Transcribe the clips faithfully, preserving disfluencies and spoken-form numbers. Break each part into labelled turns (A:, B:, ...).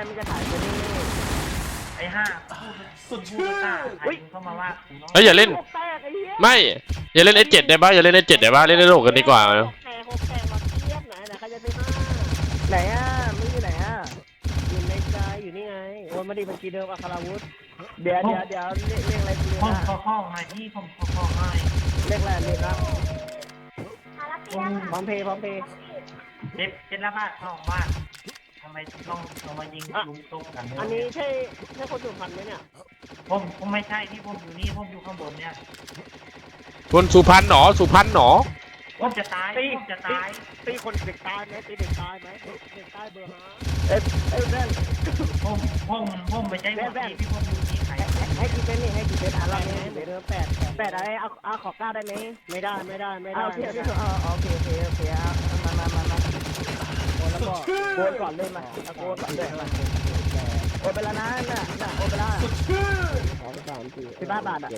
A: มันจะขายตัวนี้
B: ไอ้ห้าสุดพูดตาไอ้เข้ามาว่า
C: เฮ้ยอย่าเล่นไม่อย่าเล่นเอสเจ็ดได้ป่ะอย่าเล่นเอสเจ็ดได้ป่ะเล่นในโลกกันดีกว่า
A: แข่งหกแข่งมาเทียบไหนไหนใครจะซื้อห้าไหนอ่ะมึงอยู่ไหนอ่ะอยู่ในใจอยู่นี่ไงโอนมาดิบัญชีเดิมอัคราวุธเดี๋ยวเดี๋ยวเดี๋ยวเลขเลขอะไรกูเลย
B: ห้อง
A: นะ
B: ข้อข้อมาที่ผมข้อข้อให้
A: เลขอะไรเลขครับพร้อมเพย์พร้อมเพย์
B: เจ็ดเจ็ดละบาทสองบาททำไมต้องเอามายิงลุมตุ๊กกัน
A: อันนี้ใช่ใช่คนสุพรรณไหมเนี่ย
B: ผมผมไม่ใช่ที่ผมอยู่นี่ผมอยู่ข้างบนเนี่ย
C: คนสุพรรณหนอสุพรรณหนอ
B: ผมจะตายผมจะตาย
A: ตีคนเด็กตายไหมตีเด็กตายไหมเด็กตายเบอร์ห้าเอ้ยเอ้ยแว่น
B: ผมผมผมไม่ใช่คนที่ที่ผมอยู่นี่ใคร
A: ให้กี่เป็นนี่ให้กี่เป็นอะไรเนี่ยเดี๋ยวแปดแปดอะไรเอาเอาขอเก้าได้ไหมไม่ได้ไม่ได้ไม่ได้โอเคโอเคโอเคโอเคโอเคเอามามามามาโอนแล้วก็โอนก่อนเลยมาเอาโอนก่อนเลยมาโอนไปแล้วนะน่ะน่ะโอนไปแล้วสองสามสี่สิบห้าบาทอ่ะ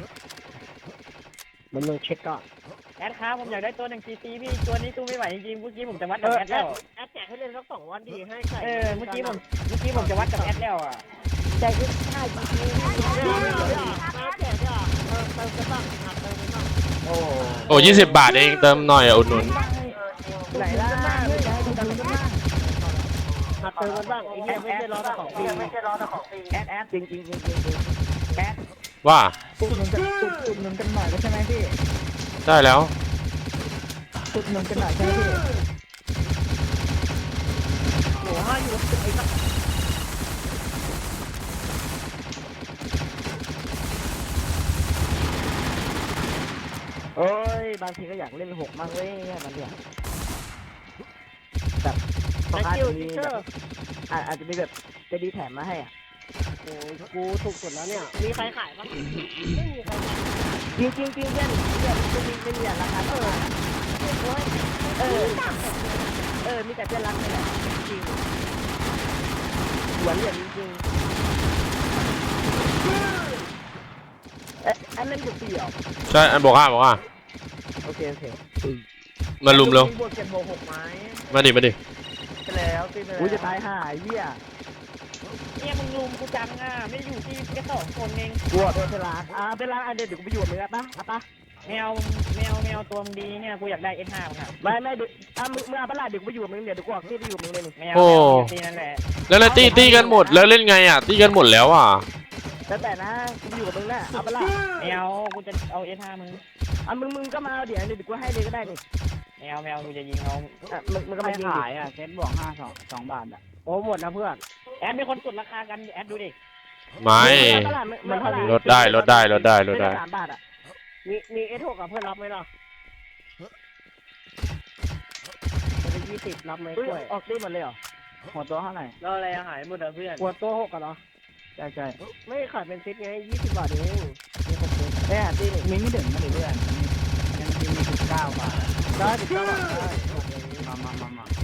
A: มันลงเช็คก่อน
D: แอดครับผมอยากได้ตัวหนึ่งซีซีพี่ตัวนี้ตู้ไม่ไหวจริงๆเมื่อกี้ผมจะวัดกับแอดแล้ว
A: แอดแจกให้เล่นสักสองวันดีให้ใคร
D: เออเมื่อกี้ผมเมื่อกี้ผมจะวัดกับแอดแล้วอ่ะ
A: แจกให้ห้าจีพีแจกอ่ะเออเติมกันบ้างหักเติมกันบ้างโอ้
C: โอ้ยี่สิบบาทเองเติมหน่อยอุดหนุน
A: ไหนล่ะไม่ได้ดูกันบ้างหักเติมกันบ้างไอ้เนี่ยไม่ใช่รอแต่ของฟรีไม่ใช่รอแต่ของฟรีแอดแอดจริงจริงจริงจริงแอด
C: ว่า
A: ตุ่มหนุนกันตุ่มหนุนกันหน่อยใช่ไหมพี่
C: ได้แล้ว
A: ตุ่มหนุนกันหน่อยใช่ไหมพี่โอ้ห้าอยู่ไอ้สักโอ้ยบางทีก็อยากเล่นหกมากเว้ยมันเนี่ยแบบอาจจะมีแบบอาจจะมีแบบจะดีแถมมาให้อ่ะโอ้ยกูถูกสุดแล้วเนี่ยมีใครขายบ้างไม่มีใครขายจริงจริงจริงเล่นเล่นไม่มีไม่มีราคาเออเออเออมีแต่เพื่อนรักนี่แหละจริงหวนเหรียญจริงเอ๊ะอันเล่นบุกตีเหรอ
C: ใช่อันบอกห้าบอกห้า
A: โอเคโอเค
C: มาลุมเร็ว
A: บวกเจ็ดบวกหกไม้
C: มาดิมาดิ
A: ไปแล้วตีไปแล้วกูจะตายห่าเหี้ย
D: เนี่ยมึงลุมกูจังอ่ะไม่ได้อยู่ที่แค่สองคนเอง
A: กูเป็นเวลาอ่าเป็นร้านอันเดียวเดี๋ยวกูไปอยู่มึงอ่ะปะอ่ะปะ
D: แมวแมวแมวตัวมึงดีเนี่ยกูอยากได้เอสห้ามึงอ่ะ
A: ไม่ไม่ดูอ่ะมึงมึงเอาปะล่ะเดี๋ยวกูไปอยู่มึงเดี๋ยวกูออกที่ไปอยู่มึงเลย
D: แมวตีนั่นแหละ
C: แล้วแล้วตีตีกันหมดแล้วเล่นไงอ่ะตีกันหมดแล้วอ่ะ
A: แล้วแต่นะกูไปอยู่กับมึงนะเอาปะล่ะ
D: แมวกูจะเอาเอสห้ามึง
A: อ่ะมึงมึงก็มาเดี๋ยวเดี๋ยวกูให้เลยก็ได้นี่
D: แมวแมวกูจะยิงเอา
A: อ่ะมึงมึงก็มาขายอ่ะเซ็ตบวกห้าสองสองบาทอ่ะโอ้หมดนะเพื่อน
D: แอดมีคนกดราคากันแอดดูดิ
C: ไม่ลดได้ลดได้ลดได้ลดได้
A: สามบาทอ่ะมีมีเอสหกกับเพื่อนรับไหมล่ะเป็นยี่สิบรับไหมกล้วยออกได้หมดเลยเหรอหัวตัวเท่าไหร่
D: แล้วอะไรหายหมดอ่ะเพื่อน
A: หัวตัวหกกันเหรอใช่ใช่ไม่ขายเป็นเซ็ตไงยี่สิบบาทเองมีครบเลยแค่ตีมีไม่ถึงมาดิเพื่อนยังมีมีสิบเก้าบาทได้สิบเก้าบาทมามามามา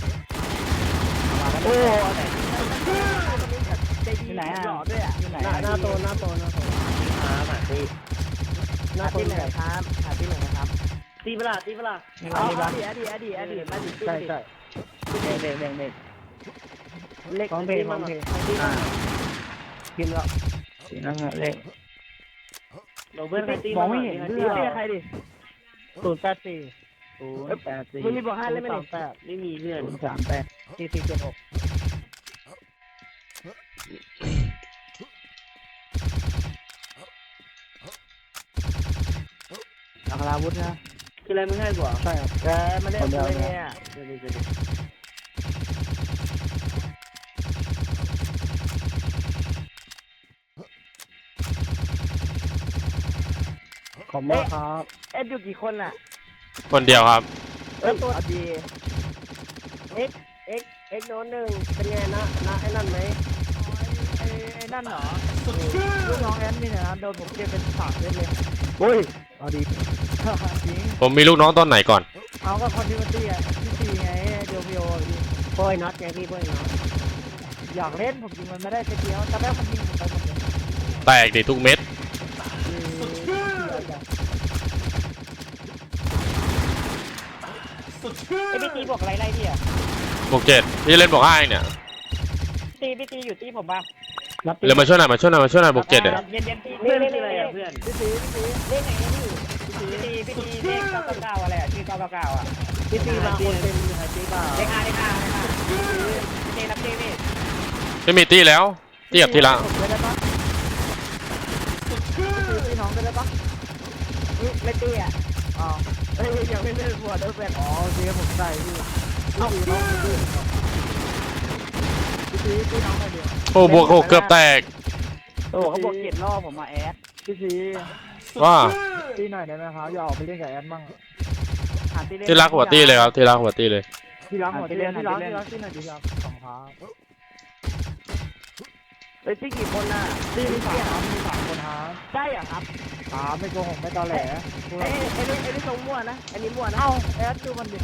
A: โอ้ที่ไหนอ่ะหล่อด้วยอ่ะที่ไหนหน้าโตหน้าโตหน้าโตหาหาตีหน้าตีไหนครับหาตีไหนครับตีเวลาตีเวลาอ๋อดีอดีอดีอดีมาดิใช่ใช่เด็กเด็กเด็กเล็กของเพลงของเพลงอ่าพิมพ์แล้วพิมพ์แล้วเล็กเราเพื่อนใครตีมองไม่เห็นเพื่อนใครดิศูนย์แปดสี่ศูนย์แปดสี่มึงมีบอกห้าเลยไหมเนี่ยไม่มีเพื่อนสามแปดสี่สี่เจ็ดหกอัคราวุธนะคืออะไรมึงให้กว่าใช่ครับแกมาเล่นอะไรเนี่ยขอบคุณครับเอ็ดอยู่กี่คนอ่ะ
C: คนเดียวครับ
A: เออตัวดีเอ็กเอ็กเอ็กโน้นหนึ่งเป็นไงนะนะไอ้นั่นไหมไอ้ไอ้นั่นเหรอลูกน้องแอนนี่นะโดนผมเก็บเป็นสามเล่นเลยโอ้ยเอาดี
C: ผมมีลูกน้องตอนไหนก่อน
A: เอาก็คอนดิวตี้อ่ะที่สี่ไงเดียวเดียวโป้ยน็อตไงพี่โป้ยน็อตอยากเล่นผมยิงมันไม่ได้แค่เดียวแต่แม่มันยิงผมไปหมดเลย
C: แตกดิทุกเม็ด
D: ไอพีตีบอกอะไรไรดิอ่ะ
C: บวกเจ็ดพี่เล่นบวกห้าเนี่ย
D: ตีพี่ตีอยู่ตีผมบ้าง
C: เร็วมาช่วยหน่อยมาช่วยหน่อยมาช่วยหน่อยบวกเจ็ดอ่ะ
D: เย็นเย็นตี
A: เพื่
D: เพื่
A: อ
D: อน น
A: คืออะไร
D: อะไร
A: อ่ะ
D: อ่ะ
A: เพื่
D: เพื่
A: อ
D: อน น
A: พี่ตีพี่ตี
D: เล่นไหนนี่พี่ตีพี่ตีเลขเก้าเก้าเก้าอะไรอ่ะชื่อเก้าเก้าเก้าอ่ะ
A: พี่ตีมาคนเต็มหายตีเปล่า
D: เลขห้าเลขห้าเลขห้าเจรับเจพี่
C: ไม่มีตี้แล้วตี้กับทีละ
A: ได้ปะพี่น้องได้ปะ
D: ไม่ตีอ่ะ
A: อ๋อเฮ้ยยังไม่เล่นหัวเดิมแบบอ๋อโอเคผมใส่พี่เอ้าพี่น้องพี่พี่พี่น้องมาเดียว
C: โอ้บวกหกเกือบแตก
A: โอ้เขาบอกเจ็ดรอบผมมาแอดพี่ซี
C: ว่า
A: ตีหน่อยได้ไหมครับอย่าออกไปเล่นกับแอดมั่ง
C: ที่รักหัวตี้เลยครับที่รักหัวตี้เลย
A: ที่รักหัวตีเล่นที่รักที่รักที่หน่อยดีครับสองครับเฮ้ยตีกี่คนน่ะตีมีสามมีสามคนครับใช่เหรอครับสามไม่โกหกไม่ตอแหลไอ้ไอ้นี่ไอ้นี่ทรงมั่วนะไอ้นี่มั่วนะเอ้าแอดดูมันดิ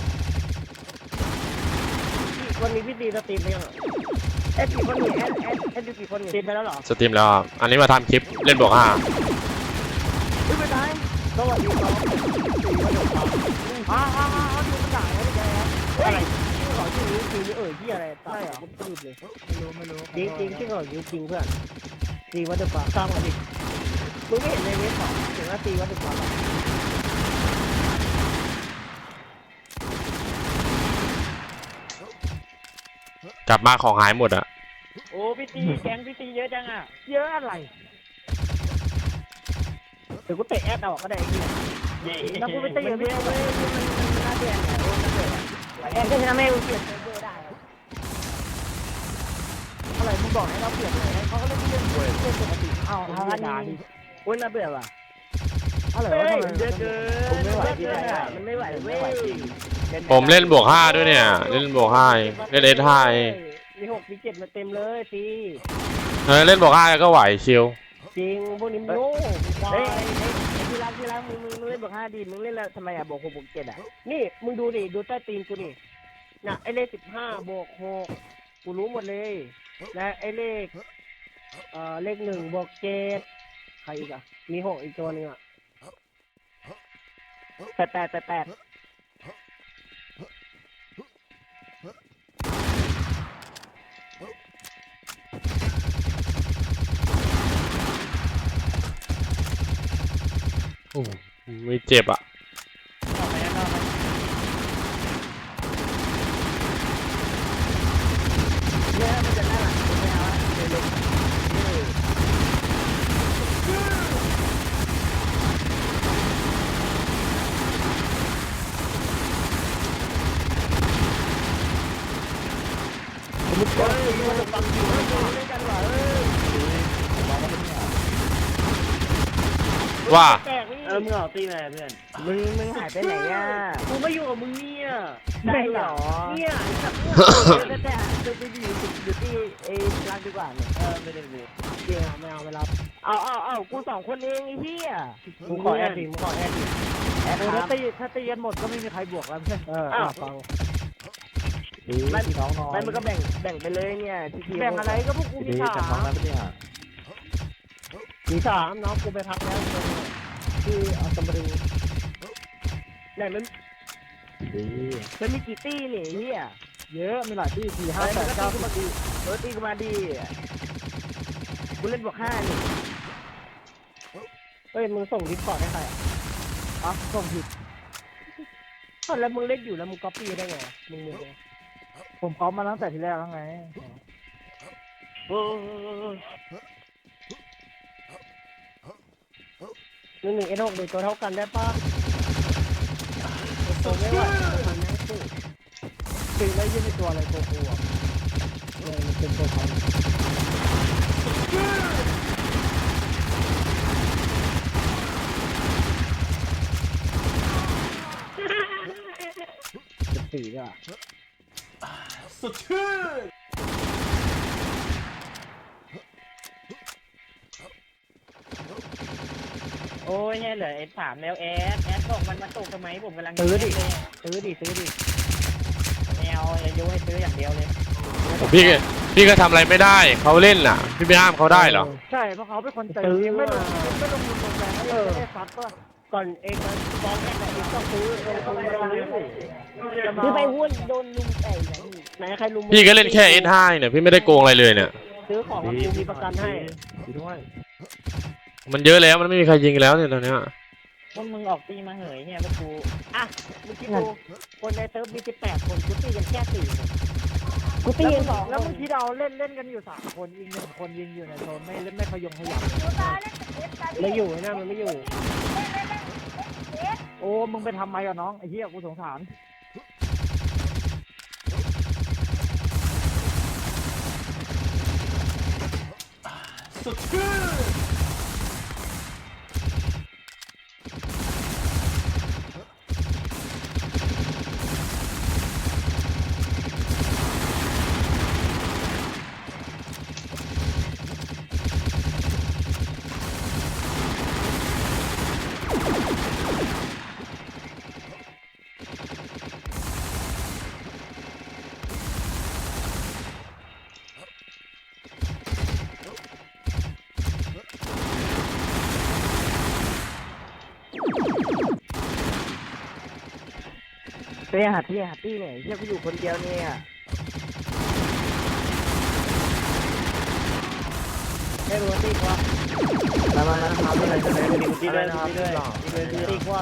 A: วันนี้พี่ตีสตรีมไปยังแอดกี่คนนี่แอดแอดแอดดูกี่คนนี่สตรีมไปแล้วเหรอ
C: สตรีมแล้วครับอันนี้มาทำคลิปเล่นบวกห้า
A: ไม่เป็นไรสวัสดีครับอ้าวอ้าวอ้าวดูมันด่าแล้วแกอะไรชื่อเขาชื่อนี้ชื่อนี้เอ่ยที่อะไรใช่เหรอพูดเลยไม่รู้ไม่รู้จริงจริงชื่อเขาจริงจริงเพื่อนจริงวัตถุปาสร้างมาดิมึงไม่เห็นในเว็บหรอถึงว่าตีวัตถุปา
C: กลับมาของหายหมดอ่ะ
D: โอ้พี่ตีแกงพี่ตีเยอะจังอ่ะ
A: เยอะอะไรเดี๋ยวกูเตะแอดเอาก็ได้แล้วกูไปตีอย่างเดียวเลยมันน่าเปลี่ยนแอดก็จะทำให้กูเปลี่ยนเบอร์ได้อะไรมึงบอกให้เราเปลี่ยนเลยเขาก็เล่นเล่นเล่นปกติเอาทำงานดีโอ้ยน่าเบื่อว่ะอะไรวะเยอะเกินผมไม่ไหวที่ไหนมันไม่ไหวเว้ย
C: ผมเล่นบวกห้าด้วยเนี่ยเล่นบวกห้าเล่นเอสห้า
A: มีหกมีเจ็ดมาเต็มเลยตี
C: เออเล่นบวกห้าก็ไหวชิล
A: จริงพวกนี้โง่เฮ้ยที่รักที่รักมึงมึงมึงเล่นบวกห้าดีมึงเล่นแล้วทำไมอ่ะบวกหกบวกเจ็ดอ่ะนี่มึงดูดิดูใต้ตีนกูนี่น่ะไอเลขสิบห้าบวกหกกูรู้หมดเลยและไอเลขเอ่อเลขหนึ่งบวกเจ็ดใครอีกอ่ะมีหกอีกตัวนึงอ่ะแปดแปดแปดแปด
C: โอ้ไม่เจ็บอ่ะ
A: เนี่ยมันจะน่าหลังไม่เอาเดี๋ยวลงมึงเจอมึงจะฟังอยู่ไม่รู้ด้วยกันเหรอเออ
C: ว่า
A: แตกนี่
B: เออมึงออกตีอะไรเพื่อน
A: มึงมึงหายไปไหนอ่ะ
B: กูไม่อยู่กับมึงเนี่ย
A: ได้เหรอ
B: เนี่ย
A: แต่แต่จะไปอยู่อยู่ที่เอรักดีกว่าเนี่ย
B: เออไม่ได้กู
A: เดี๋ยวไม่เอาเวลาเอาเอาเอากูสองคนเองไอ้เหี้ยมึงขอแอดดิมึงขอแอดดิแอดถ้าตีถ้าตีกันหมดก็ไม่มีใครบวกแล้วเพื่อนเออฟังไม่น้องน้องไม่มันก็แบ่งแบ่งไปเลยเนี่ยแบ่งอะไรก็พวกกูมีสามมีสามน้องกูไปพักแล้วคือเอาตำรึงไหนมันมันมีกี่ตี้นี่เฮียเยอะมีหลายตี้สี่ห้าแปดเก้ามาดีเออตีกูมาดีกูเล่นบวกห้านี่เฮ้ยมึงส่งดิสคอร์ดให้ใครอ่ะอ๋อส่งผิดแล้วมึงเล่นอยู่แล้วมึงก๊อปปี้ได้ไงมึงมึงผมก๊อปมาตั้งแต่ทีแรกแล้วไงหนึ่งหนึ่งเอ็นหกเด็กตัวเท่ากันได้ปะตัวไม่ไหวมันไม่สู้ตีแล้วยืนในตัวอะไรตัวกูอ่ะเลยมันเป็นตัวเขาสี่อ่ะสุดชื่อ
D: โอ้ยเนี่ยเหลือเอสสามแล้วแอดแอดบอกมันมาตกทำไมผมกำลัง
A: ซื้อดิ
D: เลย
A: ซื้อดิซื้อดิ
D: แมวอย่ายุให้ซื้ออย่างเดียวเลย
C: พี่ก็พี่ก็ทำอะไรไม่ได้เขาเล่นน่ะ พี่ไปห้ามเขาได้เหรอ
A: ใช่เพราะเขาเป็นคนใจเย็นไม่ลงไม่ลงทุนลงแรงให้ได้ซัดก็ก่อนเองมันฟองแรกเองต้องซื้อเองต้องซื้อซื้อไปหุ้นโดนลุงไก่ไหนใครลุม
C: พี่ก็เล่นแค่ เอส ห้า เนี่ยพี่ไม่ได้โกงอะไรเลยเนี่ย
A: ซื้อของกับกูมีประกันให้
C: มันเยอะแล้วมันไม่มีใครยิงแล้วเนี่ยตอนเนี้ย
D: พวกมึงออกตีมาเหยเฮียพวกกู
A: อ่ะมึงคิดดูคนในเซิร์ฟมีสิบแปดคนกูตีกันแค่สี่คน
D: กูตีกันสอง
A: แล้วมึงคิดเอาเล่นเล่นกันอยู่สามคนยิงหนึ่งคนยิงอยู่ในโซนไม่ไม่ขยงขยับไม่อยู่นะมันไม่อยู่โอ้มึงไปทำไมกับน้องไอ้เหี้ยกูสงสาร
B: สุดชื่อ
A: ไปหาที่หาที่เนี่ยเหี้ยกูอยู่คนเดียวเนี่ยไม่รู้ตีกว่ามามามาทำอะไรกันเลยตีด้วยตีด้วยตีด้วยตีกว่า